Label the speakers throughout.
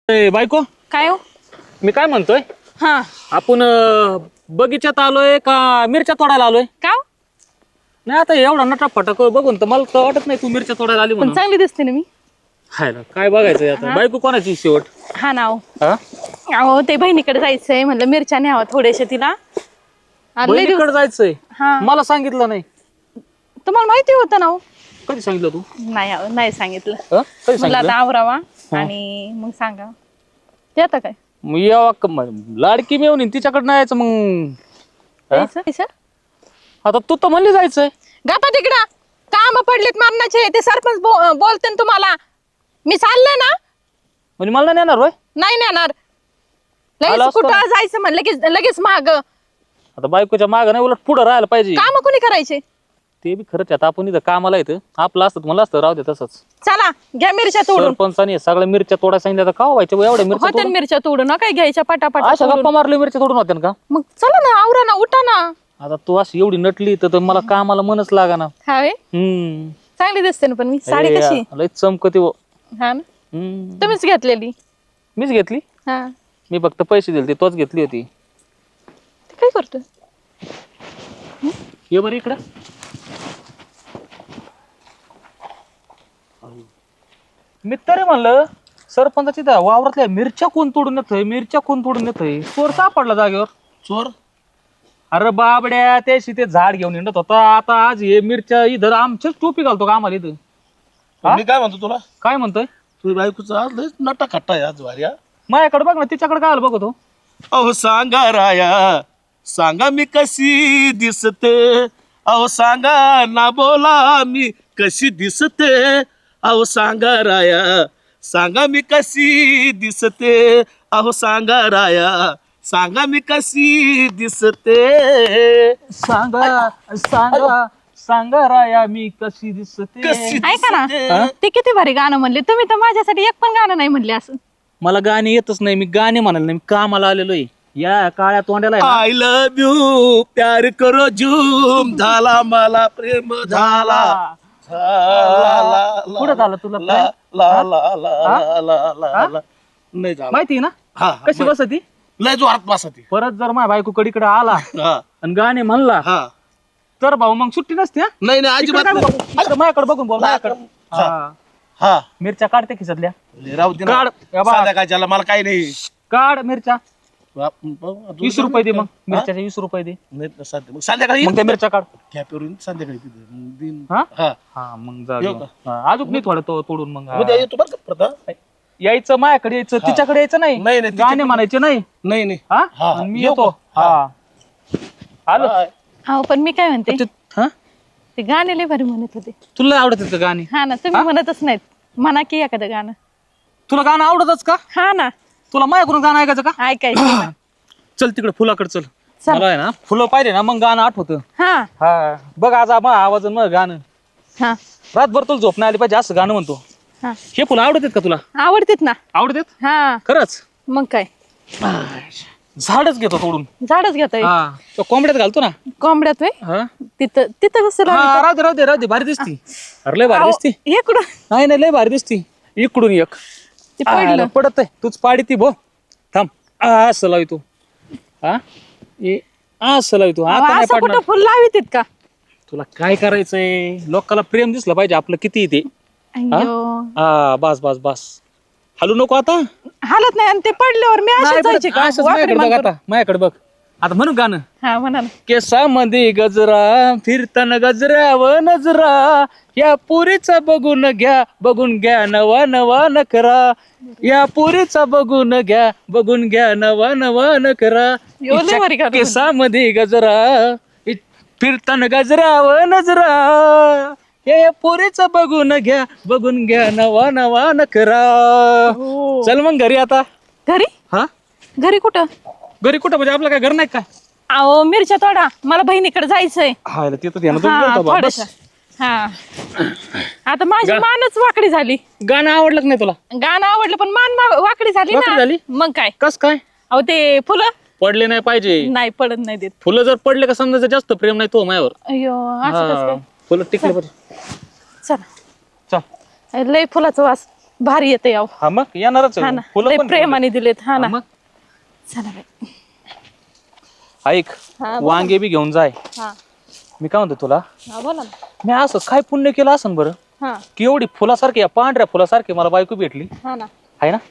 Speaker 1: बायको
Speaker 2: काय हो?
Speaker 1: मी काय म्हणतोय
Speaker 2: हा
Speaker 1: आपण बगीच्यात आलोय का मिरच्या तोडायला आलोय?
Speaker 2: का हो?
Speaker 1: नाही आता एवढा नटा फटाक बघून तर मला तर वाटत नाही तू मिरच्या तोडायला आली
Speaker 2: पण
Speaker 1: म्हणून.
Speaker 2: चांगली दिसते ना मी.
Speaker 1: हाय ना, काय बघायचंय आता?
Speaker 2: हा?
Speaker 1: बायको कोणाची शेवट?
Speaker 2: हा ना हो.
Speaker 1: हा
Speaker 2: अहो ते बहिणीकडे जायचंय म्हणलं, मिरच्या न्यावा थोड्याशा तिला. आणि लय
Speaker 1: बहिणीकडे
Speaker 2: दिवस-
Speaker 1: जायचंय?
Speaker 2: हा
Speaker 1: मला सांगितलं नाही.
Speaker 2: तुम्हाला माहिती होतं ना हो?
Speaker 1: कधी सांगितलं तू?
Speaker 2: नाही अहो, नाही सांगितलं.
Speaker 1: कधी
Speaker 2: म्हणलं
Speaker 1: सांगितलं?
Speaker 2: आता आवरावा
Speaker 1: हा.
Speaker 2: आणि मग सांगा. ते आता काय
Speaker 1: मग यावा लाडकी मिळून येईन तिच्याकडनं यायचं मग. हा?
Speaker 2: यायचं?
Speaker 1: आता तू तर म्हणली जायचंय.
Speaker 2: गप्पा तिकडं. काम पडलेत मारण्याचे, ते सरपंच बोलते ना तुम्हाला. मी चालले ना,
Speaker 1: म्हणजे मला नाही नेणार होय?
Speaker 2: नाही नेणार.
Speaker 1: आला
Speaker 2: लगेच
Speaker 1: असतो ना.
Speaker 2: कुठं जायचं म्हणलं लगेच माग.
Speaker 1: आता बायकोच्या मागं नाही, उलट पुढं राहायला पाहिजे.
Speaker 2: काम कोणी करायचे?
Speaker 1: ते बी खरंच आहे. आता आपण इथं कामाला येतं, आपलं असतं मला असतं राहू दे तसंच.
Speaker 2: चला घ्या मिरच्या तोडून.
Speaker 1: सरपंचाने सगळ्या मिरच्या तोडा सांगितलं, तर का व्हायच्या एवढ्या मिरच्या
Speaker 2: होत्या ना मिरच्या तोडून ना, काय घ्यायच्या पटापट
Speaker 1: अशा गप्पा मारल्या मिरच्या तोडून होत्या का?
Speaker 2: मग चला ना, आवरा ना, उठा ना.
Speaker 1: आता तू अशी एवढी नटली तर मला कामाला मनच लागा ना.
Speaker 2: हाय चांगली दिसते ना, पण मी साडी कशी?
Speaker 1: लय चमकते वो.
Speaker 2: हा ना, तुम्हीच घेतलेली.
Speaker 1: मीच घेतली.
Speaker 2: हा
Speaker 1: मी फक्त पैसे दिले, तोच घेतली होती.
Speaker 2: ते काय करतोय?
Speaker 1: ये बरं इकडं. मी तरी म्हणलं सरपंचाची त्या वावरातल्या मिरच्या कोण तोडून येतोय, मिरच्या कोण तोडून येतोय? चोर सापडला जागेवर.
Speaker 3: चोर
Speaker 1: अरे बाबड्या, त्याशी ते झाड घेऊन हिंडत होता. आता आज हे मिरच्या इधर आमच्याच टोपी घालतो का आम्हाला इथं? हा?
Speaker 3: मी काय म्हणतो तुला,
Speaker 1: काय म्हणतोय?
Speaker 3: तुझी बायकोचा आज लय नटा खट्टा आहे आज वाऱ्या.
Speaker 1: माझ्याकडे बघ ना, तिच्याकडे काय बघतो.
Speaker 3: अहो सांगा राया, सांगा मी कशी दिसते, अहो सांगा ना बोला मी कशी दिसते, अहो सांगा राया, सांगा मी कशी दिसते, अहो सांगा राया, सांगा मी कशी दिसते.
Speaker 1: सांगा सांगा सांगा राया मी कशी दिसते.
Speaker 3: कशी
Speaker 2: ऐका ना,
Speaker 3: दिसते.
Speaker 2: ते किती भारी गाणं म्हणले तुम्ही, तर माझ्यासाठी एक पण गाणं नाही म्हणले असं.
Speaker 1: मला गाणे येतच नाही, मी गाणे म्हणाल नाही, मी कामाला आलेलो आहे. या काळ्या तोंड्याला आहे ना.
Speaker 3: आय लव्ह यू प्यार करो झूम, झाला मला प्रेम झाला.
Speaker 1: कुठं झालं तुला
Speaker 3: ला
Speaker 1: प्रेम?
Speaker 3: ला ला ला ला ला ला. नाही झाला.
Speaker 1: माहिती ना
Speaker 3: हा,
Speaker 1: कशी बसती.
Speaker 3: लय जोरात बसती.
Speaker 1: परत जर माझ्या बायको कडीकडे आला
Speaker 3: हा
Speaker 1: आणि गाणे म्हणला
Speaker 3: हा.
Speaker 1: तर भाऊ मग सुट्टी नसते. हा?
Speaker 3: नाही नाही
Speaker 1: इकडे
Speaker 3: अजिबात
Speaker 1: काय
Speaker 3: नाही.
Speaker 1: बघू? इकडे माझ्याकडे बघून बोल, माझ्याकडे.
Speaker 3: हा.
Speaker 1: हा.
Speaker 3: हा
Speaker 1: मिरच्या काढते खिशातल्या.
Speaker 3: राहू दे ना.
Speaker 1: काढ. या बा.
Speaker 3: संध्याकाळच्याला मला काही नाही.
Speaker 1: काढ मिरच्या.
Speaker 3: अजून
Speaker 1: 20 रुपये दे मग.
Speaker 3: हा?
Speaker 1: मिरच्याचे 20 रुपये दे.
Speaker 3: नाही ना, मग संध्याकाळी
Speaker 1: मग त्या मिरच्या काढ.
Speaker 3: कॅपेवरून संध्याकाळी तिथे मग दिन.
Speaker 1: हा?
Speaker 3: हा
Speaker 1: हा मग जा
Speaker 3: येऊ
Speaker 1: घेऊन.
Speaker 3: का?
Speaker 1: हा, अजून नाही थोडं तोडून मग. हा.
Speaker 3: उद्या येतो बरं का प्रथा.
Speaker 1: यायचं माझ्याकडे यायचं,
Speaker 3: हा.
Speaker 1: तिच्याकडे यायचं नाही.
Speaker 3: नाही, नाही,
Speaker 1: गाणे
Speaker 3: तिच्याकडे-
Speaker 1: म्हणायचे नाही.
Speaker 3: नाही नाही
Speaker 1: हा
Speaker 3: हा,
Speaker 1: आणि मी
Speaker 3: येऊ
Speaker 1: येतो.
Speaker 3: का?
Speaker 1: हा आलो.
Speaker 3: हा.
Speaker 2: हो पण मी काय म्हणते,
Speaker 1: हा
Speaker 2: ते गाणे लय भारी म्हणत होते.
Speaker 1: तुला आवडत का गाणी?
Speaker 2: हा ना, तुम्ही म्हणतच नाहीत. म्हणा की एखादं गाणं.
Speaker 1: तुला गाणं आवडतच का?
Speaker 2: हा ना,
Speaker 1: तुला माझ्याकडून गाणं ऐकायचं का?
Speaker 2: ऐकायचं ना.
Speaker 1: चल तिकडे फुलाकडे चल.
Speaker 2: चल.
Speaker 1: मला आहे ना फुलं पाहिजे ना, मग गाणं आठवतं.
Speaker 2: हा
Speaker 1: हा बघ आज मग आवाज मग गाणं
Speaker 2: हा
Speaker 1: रातभर तुला झोप नाही आली पाहिजे असं गाणं म्हणतो.
Speaker 2: हा
Speaker 1: हे फुलं आवडतात का तुला?
Speaker 2: आवडतेत ना.
Speaker 1: आवडतात
Speaker 2: हा
Speaker 1: खरंच.
Speaker 2: मग काय,
Speaker 1: झाडच घेतो तोडून.
Speaker 2: झाडच घेतोय.
Speaker 1: हा तो कोंबड्यात घालतो ना.
Speaker 2: कोंबड्यात होय.
Speaker 1: हा
Speaker 2: तिथं तिथं कसं
Speaker 1: हा,
Speaker 2: लावलं?
Speaker 1: राहू दे राहू दे राहू दे, भारी दिसती. अरे लय भारी
Speaker 2: अहो,
Speaker 1: दिसती.
Speaker 2: हे कुठं
Speaker 1: नाही नाही लय भारी दिसती. इकडून एक
Speaker 2: ते पडलं.
Speaker 1: पडत आहे, तूच पाडी ती भो. थांब असं लावी तू. हा असं लावी तू.
Speaker 2: अहो,
Speaker 1: आता नाही
Speaker 2: असं
Speaker 1: पडणार.
Speaker 2: कुठं फुल लावित का?
Speaker 1: तुला काय करायचंय? लोकांना प्रेम दिसलं पाहिजे आपलं किती ते.
Speaker 2: अय्यो,
Speaker 1: हा बस बस बस. हलू नको आता.
Speaker 2: हालत नाही. आणि ते पडल्यावर मी
Speaker 1: नाही
Speaker 2: अशीच
Speaker 1: पडत.
Speaker 2: जायची का?
Speaker 1: असंच
Speaker 2: वाकडी
Speaker 1: माझ्याकडे बघ
Speaker 2: मान करून.
Speaker 1: आता. माझ्याकडे बघ आता म्हणू गाणं.
Speaker 2: हा म्हणा ना.
Speaker 1: केसामध्ये गजरा फिरताना गजरा व नजरा, या पुरीचा बघून घ्या नवा नवा नकरा, या पुरीचा बघून घ्या नवा नवा नकरा.
Speaker 2: एवढं भारी गाणं
Speaker 1: केसामध्ये गजरा फिरताना गजरा व नजरा, या पुरीचा बघून घ्या नवा नवा नकरा.
Speaker 2: हो.
Speaker 1: चल मग घरी आता.
Speaker 2: घरी
Speaker 1: हा
Speaker 2: घरी कुठं?
Speaker 1: घरी कुठं म्हणजे आपलं काय घर नाही काय?
Speaker 2: अहो मिरच्या तोडा, मला बहिणीकडे जायचंय.
Speaker 1: हा ते तर ध्यानातच
Speaker 2: हा
Speaker 1: नव्हतं बा.
Speaker 2: थोडस.
Speaker 1: बस.
Speaker 2: हा आता माझी मानच वाकडी झाली.
Speaker 1: गाणं आवडलं का नाही तुला?
Speaker 2: गाणं आवडलं पण मान वाकडी झाली
Speaker 1: वाकडी
Speaker 2: ना.
Speaker 1: झाली?
Speaker 2: मग काय,
Speaker 1: कस काय?
Speaker 2: अहो ते फुलं
Speaker 1: पडले नाही पाहिजे.
Speaker 2: नाही पडत नाही देत.
Speaker 1: फुलं जर पडले का समजा जास्त प्रेम नाही तो माझ्यावर.
Speaker 2: अयो असं कसं
Speaker 1: हा.
Speaker 2: काय?
Speaker 1: फुलं टिकले बरं.
Speaker 2: चला,
Speaker 1: चल
Speaker 2: लय फुलाचं वास भारी येते याव.
Speaker 1: हा मग येणारच
Speaker 2: हा
Speaker 1: आहे.
Speaker 2: ना
Speaker 1: फुलं
Speaker 2: लय
Speaker 1: पण
Speaker 2: प्रेमाने दिलेत. हा ना
Speaker 1: मग
Speaker 2: चला बाई.
Speaker 1: ऐक
Speaker 2: हा, बोला.
Speaker 1: वांगे बी घेऊन जाय.
Speaker 2: हा
Speaker 1: मी काय म्हणतो तुला,
Speaker 2: हा बोला ना.
Speaker 1: मी असं काय पुण्य केलं असं बरं
Speaker 2: हा
Speaker 1: की एवढी फुलासारखी या पांढऱ्या फुलासारखी मला बायको भेटली
Speaker 2: हा ना.
Speaker 1: आहे ना.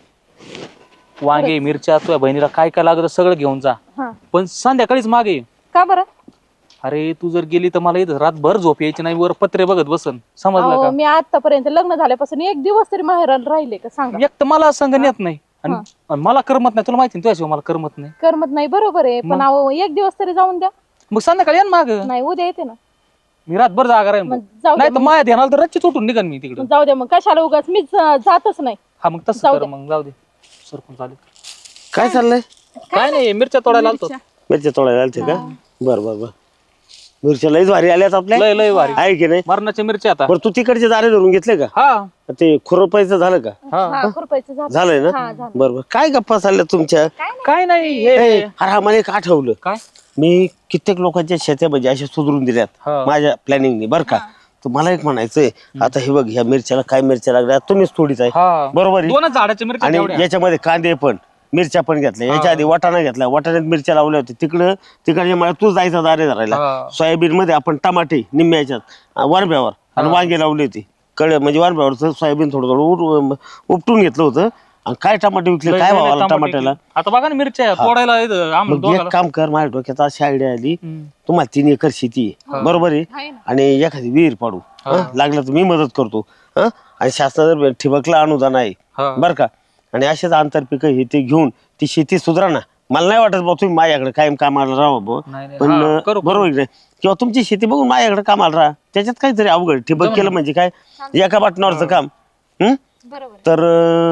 Speaker 1: वांगे मिरच्या तुझ्या बहिणीला काय काय लागतं सगळं घेऊन जा,
Speaker 2: हा
Speaker 1: पण संध्याकाळीच मागे ये.
Speaker 2: का बरं?
Speaker 1: अरे तू जर गेली तर मला इथं रातभर झोप यायची नाही, वर पत्रे बघत बसन, समजलं
Speaker 2: अहो
Speaker 1: का.
Speaker 2: मी आतापर्यंत लग्न झाल्यापासून एक दिवस तरी माहेराला राहिले का सांगा.
Speaker 1: एक तर मला संग नेत नाही आणि मला करमत नाही, तुला माहिती ना तुझ्याशिवाय मला करमत नाही.
Speaker 2: करमत नाही बरोबर आहे, पण अहो एक दिवस तरी जाऊन द्या.
Speaker 1: मग संध्याकाळी या ना माग,
Speaker 2: नाही उद्या येते ना.
Speaker 1: मी रातभर जागा राहीन
Speaker 2: मग जाऊ
Speaker 1: नाही
Speaker 2: द्या
Speaker 1: तर माया ध्यानाला तर रच्ची उठून निघन मी तिकडे.
Speaker 2: मग जाऊ द्या मग कशाला उगाच मीच जातच नाही.
Speaker 1: हा मग तसं
Speaker 2: जाऊ
Speaker 1: कर,
Speaker 2: दे.
Speaker 1: मग जाऊ दे. सरपंच आले.
Speaker 3: काय चाललंय?
Speaker 1: काय नाही मिरच्या तोडायला आलतो.
Speaker 3: मिरच्या तोडायला आलते का? बर बर बर. मिरच्या लईच भारी आल्यात आपल्या,
Speaker 1: लय लय भारी
Speaker 3: आहे की नाही?
Speaker 1: मरणाच्या मिरच्या आता.
Speaker 3: बरं तू तिकडचे दारे धरून घेतले का?
Speaker 1: हा
Speaker 3: ते खुरपायचं झालं का?
Speaker 2: हा खुरपायचं झालं.
Speaker 3: झालंय ना?
Speaker 2: हा झालं.
Speaker 3: बरोबर. काय गप्पा चालल्या तुमच्या?
Speaker 1: काय नाही
Speaker 3: ए,
Speaker 1: हे
Speaker 3: अरे हा मला एक आठवलं.
Speaker 1: काय
Speaker 3: मी कित्येक लोकांच्या शेत्या म्हणजे अशा सुधरून दिल्यात
Speaker 1: हा.
Speaker 3: माझ्या प्लॅनिंगने, बरं का. तर मला एक म्हणायचंय, आता हे बघ ह्या मिरच्याला काय मिरच्या लागल्या तुम्हीच थोडीच आहे,
Speaker 1: हा.
Speaker 3: बरोबर आहे?
Speaker 1: दोनच झाडाच्या मिरच्या
Speaker 3: आणि
Speaker 1: तेवढ्या.
Speaker 3: याच्यामध्ये कांदे पण मिरच्या पण घेतल्या, याच्या आधी वाटाणा घेतला, वाटाण्यात मिरच्या लावल्या होत्या. तिकडच्या मला तू जायचा दारे धरायला.
Speaker 1: हा.
Speaker 3: सोयाबीन मध्ये आपण टमाटे निम्म्या याच्यात वारब्यावर आणि वांगे लावले होते कळे, म्हणजे वारब्यावर सोयाबीन थोडं थोडं उपटून घेतलं होतं. आणि काय टमाटे विकले,
Speaker 1: लय-
Speaker 3: काय
Speaker 1: लय
Speaker 3: भावाला
Speaker 1: टमाटे
Speaker 3: टमाट्याला.
Speaker 1: किती. आता बघा ना मिरच्या तोडायला इथं आम्हाला
Speaker 3: मग एक
Speaker 1: दोघाला.
Speaker 3: काम कर, माझ्या डोक्यात अशी आयडिया आली,
Speaker 1: हम्म.
Speaker 3: तुम्हाला 3 एकर शेती आहे, बरोबर आहे,
Speaker 2: आहे ना.
Speaker 3: आणि एखादी विहीर पाडू, हं? लागलं तर मी मदत करतो, हं? आणि शासनाचं ठिबकला अनुदान आहे,
Speaker 1: हा.
Speaker 3: बरं का. आणि असेच आंतरपिकं हे ते घेऊन ती शेती सुधारा ना. मला नाही वाटत बा तुम्ही माझ्याकडे कायम कामाला राहा बुवा.
Speaker 1: नाही, नाही.
Speaker 3: पण
Speaker 1: हा, करू,
Speaker 3: बरोबर आहे की नाही? किंवा तुमची शेती बघून माझ्याकडे कामाला राहा, त्याच्यात काहीतरी अवघड. ठिबक केलं म्हणजे काय, एका पाटणावरचं काम.
Speaker 2: बरोबर.
Speaker 3: तर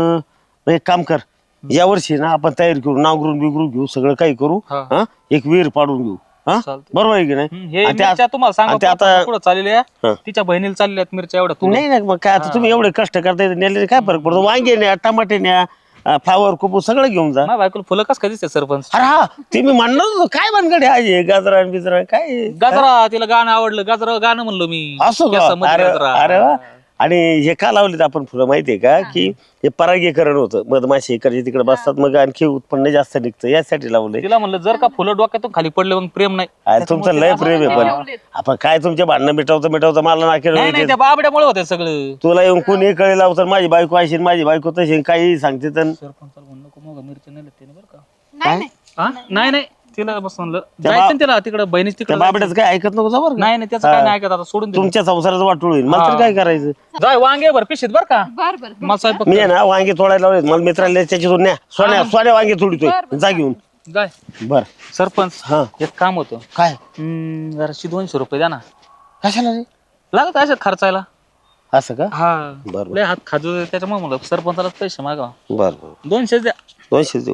Speaker 3: एक काम कर, या वर्षी ना आपण तयारी करू, नांगरून बिगरून घेऊ, सगळं काही करू,
Speaker 1: हा.
Speaker 3: हं? एक विहीर पाडून घेऊ, हं?
Speaker 1: चालतंय.
Speaker 3: बरोबर आहे की नाही?
Speaker 1: हे
Speaker 3: आणि त्या-
Speaker 1: मिरच्या तुम्हाला सांगा
Speaker 3: आणि ते आता
Speaker 1: पुढे चाललेल्या
Speaker 3: हा.
Speaker 1: तिच्या बहिणीला चालल्यात मिरच्या एवढ्या तोडून.
Speaker 3: नाही नाही, मग काय आता तुम्ही एवढे कष्ट करताय, नेले काय फरक पडतो. वांगे न्या, टमाटे न्या, फ्लावर कोपू सगळं घेऊन जा.
Speaker 1: माझ्या बायकोला फुलं कस काय दिसते सरपंच.
Speaker 3: अरे हा, ते मी म्हणणार होतो, काय बनगडे आहे गाजरा बिजरा काय
Speaker 1: गाजरा तिला गाणं आवडलं, गाजरा गाणं म्हणलो मी.
Speaker 3: असो का?
Speaker 1: केसामध्ये
Speaker 3: अरे
Speaker 1: गाजरा.
Speaker 3: अरे वा. आणि हे का लावलेत आपण फुलं माहितीये का, की हे परागीकरण होतं, मधमाशी इकडचे तिकडे बसतात, मग आणखी उत्पन्न जास्त निघतं, यासाठी लावलंय.
Speaker 1: तिला म्हणलं जर का फुलं डोक्यातून खाली पडले मग प्रेम नाही.
Speaker 3: अरे तुमचं लय प्रेम आहे, पण आपण काय तुमचे भांडणं मिटवतं मला
Speaker 1: नाही नाही
Speaker 3: नाकेल.
Speaker 1: त्या बाबड्यामुळे होते सगळं.
Speaker 3: तुला येऊन कोणी कळे लावतं, माझी बायको अशी माझी बायको तशी, काही सांगते तर.
Speaker 1: सरपंचाला म्हणलं नको मग मिरच्या नाही लागते बरं का.
Speaker 2: नाही नाही.
Speaker 1: हा? नाही नाही तिला बस म्हणलं जायचं ना तिला तिकडे बहिणीच
Speaker 3: त्या
Speaker 1: तिकडे.
Speaker 3: बाबड्याचं काय ऐकत नको जा बरं का.
Speaker 1: नाही नाही त्याचं काय नाही ऐकत आता सोडून दे.
Speaker 3: तुमच्या संसाराचं वाटोळ होईल, मला तर काय करायचं.
Speaker 1: जाय वांगे भर पिशीत बर का.
Speaker 2: बर बर.
Speaker 1: मला स्वयंपाक
Speaker 3: मी आहे ना वांगे तोडायला लावले, मला मित्राला त्याच्यातून न्या, सोन्या वांगे तोडतोय, जा घेऊन.
Speaker 1: जाय.
Speaker 3: बर
Speaker 1: सरपंच
Speaker 3: हा.
Speaker 1: एक काम होतं.
Speaker 3: काय
Speaker 1: जराशी 200 रुपये द्या ना.
Speaker 3: कशाला रे?
Speaker 1: लागत अशात खर्चायला.
Speaker 3: असं का?
Speaker 1: हा
Speaker 3: बरं.
Speaker 1: लय हात खाजू त्याच्यामुळे म्हणलं सरपंचाला पैसे मागा.
Speaker 3: बर बर,
Speaker 1: 200 द्या.
Speaker 3: 200 देऊ.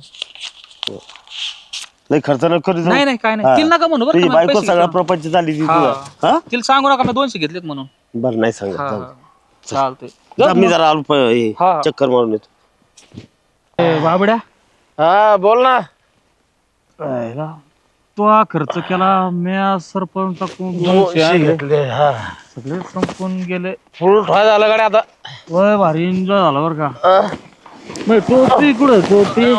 Speaker 3: लय खर्च न करू.
Speaker 1: नाही नाही काय नाही तिला नका म्हणू बरं
Speaker 3: तुझी
Speaker 1: का, मला
Speaker 3: बायको
Speaker 1: पैसे
Speaker 3: सगळा
Speaker 1: घेतो.
Speaker 3: प्रपंच झाली ती
Speaker 1: हा.
Speaker 3: तुझा. हा
Speaker 1: तिला सांगू नका मी 200 घेतलेत म्हणून.
Speaker 3: बरं, नाही सांगत.
Speaker 1: हा,
Speaker 3: जाऊ
Speaker 1: हा.
Speaker 3: दे.
Speaker 1: चालतंय.
Speaker 3: जा, मी जरा आलो
Speaker 1: हा.
Speaker 3: चक्कर मारून येतो.
Speaker 1: बाबड्या
Speaker 3: हा बोल ना.
Speaker 1: तो हा खर्च केला मी सरपंच
Speaker 3: घेतले, हा.
Speaker 1: सगळे संपून गेले.
Speaker 3: फुल ठोय झालं गाडी आता.
Speaker 1: वय भारी एन्जॉय झाला बर का. मग टोपी कुठं टोपी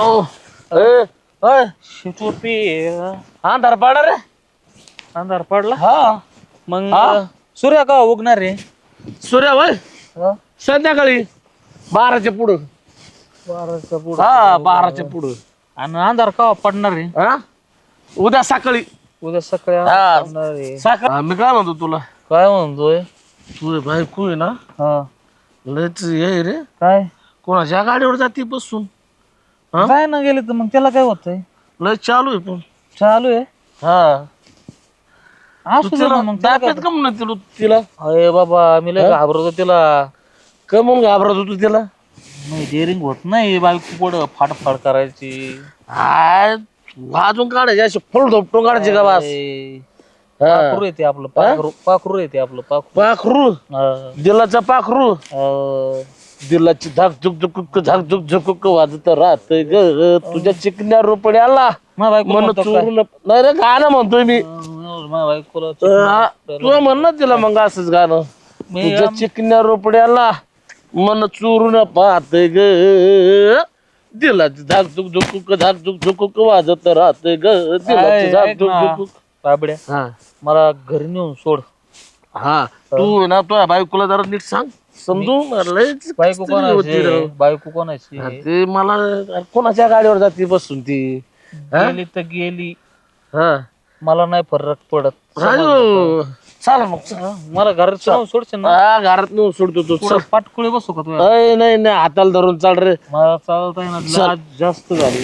Speaker 1: टोपी
Speaker 3: अंधार पाडा रे.
Speaker 1: अंधार पडला.
Speaker 3: हा.
Speaker 1: मग सूर्य का उगणार रे.
Speaker 3: सूर्या वय संध्याकाळी 12च्या पुढं.
Speaker 1: 12च्या पुढं.
Speaker 3: हा 12च्या पुढं.
Speaker 1: आणि अंधार का पडणार रे.
Speaker 3: हा उद्या सकाळी.
Speaker 1: उद्या सकाळी
Speaker 3: हा.
Speaker 1: अंधार पडणार रे.
Speaker 3: सकाळ मी काय म्हणतो तुला,
Speaker 1: काय म्हणतोय.
Speaker 3: तुझे बायको आहे ना,
Speaker 1: हा
Speaker 3: लयच हे रे,
Speaker 1: काय
Speaker 3: कोणाच्या गाडीवर जाते बसून. हा?
Speaker 1: काय ना गेले तर मग त्याला काय होतंय.
Speaker 3: लय चालू आहे पण.
Speaker 1: चालू आहे.
Speaker 3: हा
Speaker 1: असू दे ना मग काय
Speaker 3: दाब्यात
Speaker 1: करतो.
Speaker 3: का म्हणत तिला
Speaker 1: अरे बाबा मी लय घाबरतो तिला.
Speaker 3: का म्हणून घाबरत होतो तिला.
Speaker 1: नाही डेअरिंग होत नाही बायको पुढं फाडफाड करायची.
Speaker 3: हाय वाजून काढायचे असे फुल धोपटून काढायचे का बास.
Speaker 1: पाखरू येते आपलं पाखरू येते आपलं
Speaker 3: पाखरू
Speaker 1: हा.
Speaker 3: दिलाचा पाखरू. दिलाची धाक झुक झुक झाक झुक झुक वाजत राहत ग तुझ्या चिकन्या रोपड्याला.
Speaker 1: माझ्या बायको
Speaker 3: मन
Speaker 1: म्हणतो काय?
Speaker 3: चोरून नाही रे, गाणं म्हणतोय मी.
Speaker 1: माझ्या बायकोला
Speaker 3: तुला म्हण ना तिला मग असंच गाणं.
Speaker 1: मी
Speaker 3: तुझ्या चिकन्या रोपड्याला मन चोरून पाहत ग दिलाची झाकझुक झुकुक झाकझुक झुकुक वाजत राहत ग दिलाची झाकझुक झुकुक.
Speaker 1: बाबड्या
Speaker 3: हा
Speaker 1: मला घरी नेऊन सोड.
Speaker 3: हा तू ना तुझ्या बायकोला जरा नीट सांग समजून लयच
Speaker 1: बायको
Speaker 3: कसतरी होती राव.
Speaker 1: कोणाची बायको कोणाची
Speaker 3: हा, ते मला कोणाच्या गाडीवर जाते बसून ती हा?
Speaker 1: गेली तर गेली,
Speaker 3: हा
Speaker 1: मला नाही फरक पडत.
Speaker 3: राजू चला मग चल.
Speaker 1: मला घरात नेऊन सोडशील ना.
Speaker 3: हा, घरात नेऊन सोडतो तू चल.
Speaker 1: पाटकुळे बसू का तुझ्या?
Speaker 3: अय, नाही नाही हाताला धरून चाल रे
Speaker 1: मला चालता येणार आज जास्त झाली.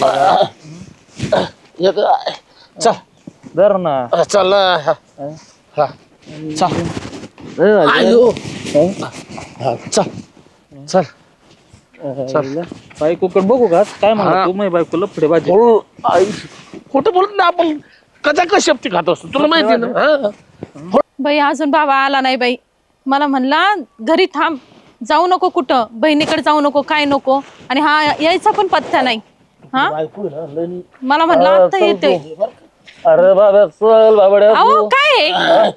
Speaker 3: चल
Speaker 1: धर ना.
Speaker 3: चल हा. हा. चल आयो. हा, चल चल चल.
Speaker 1: बायकोकडे बघू का काय म्हणा तू? माझी बायको लफडे बाजी.
Speaker 3: बोल आई खोटं बोलत ना आपण कसा कशा खात असतो तुला माहिती आहे ना हा?
Speaker 2: बाई अजून बाबा आला नाही बाई. मला म्हणला घरी थांब, जाऊ नको कुठं, बहिणीकडे जाऊ नको, काय नको. आणि हा यायचा पण पत्ता नाही. हा
Speaker 3: बायको आहे ना, लय
Speaker 2: मला म्हणला आता येते.
Speaker 1: अरे बाबा चल बाबड्या.
Speaker 2: अहो काय आहे?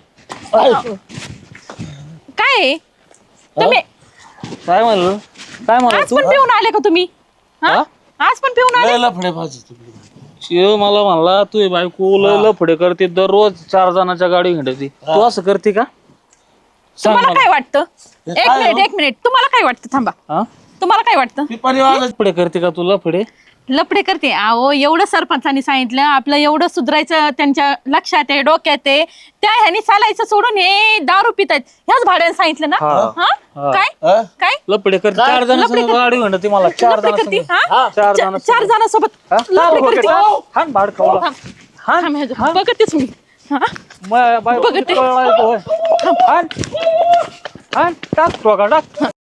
Speaker 2: काय आहे? तुम्ही
Speaker 1: काय म्हणलं? काय म्हणलं
Speaker 2: आज
Speaker 1: तू?
Speaker 2: पण पिऊन आले का तुम्ही? हा आज पण पिऊन आले?
Speaker 3: लय लफडे भाजी तुम्ही.
Speaker 1: शिव मला म्हणला तू बायको लय लफडे करते, दररोज 4 जणांच्या गाडी हिंडते. तू असं करते का? सांग
Speaker 2: तुम्हाला
Speaker 1: मला.
Speaker 2: काय वाटतं? एक मिनिट तुम्हाला काय वाटतं? थांबा.
Speaker 1: हा?
Speaker 2: तुम्हाला काय वाटतं?
Speaker 3: ती परिवार
Speaker 1: लफडे करते का तू लफडे?
Speaker 2: लपडे करते? अहो एवढं सरपंचांनी सांगितलं आपलं एवढं सुधरायचं त्यांच्या लक्षात आहे, डोक्यात आहे. त्या ह्यानी चालायचं सोडून हे दारू पितायत. ह्याच भाड्याने सांगितलं ना?
Speaker 1: हा.
Speaker 2: हा काय
Speaker 3: हा?
Speaker 2: काय
Speaker 1: लफडे करते 4
Speaker 2: लफडे
Speaker 1: जणांची
Speaker 2: करते.
Speaker 1: गाडी हिंडते मला 4
Speaker 2: लफडे करते?
Speaker 1: जणांची.
Speaker 2: हा?
Speaker 1: चार जण.
Speaker 2: 4 जणांसोबत लफडे करते.
Speaker 1: हान भाड खावला.
Speaker 2: थांब, ह्याचं बघतेच मी. हा?
Speaker 1: बायको
Speaker 2: बघते.
Speaker 1: कळला येतो, होय. हान हान टाक तो का टाक.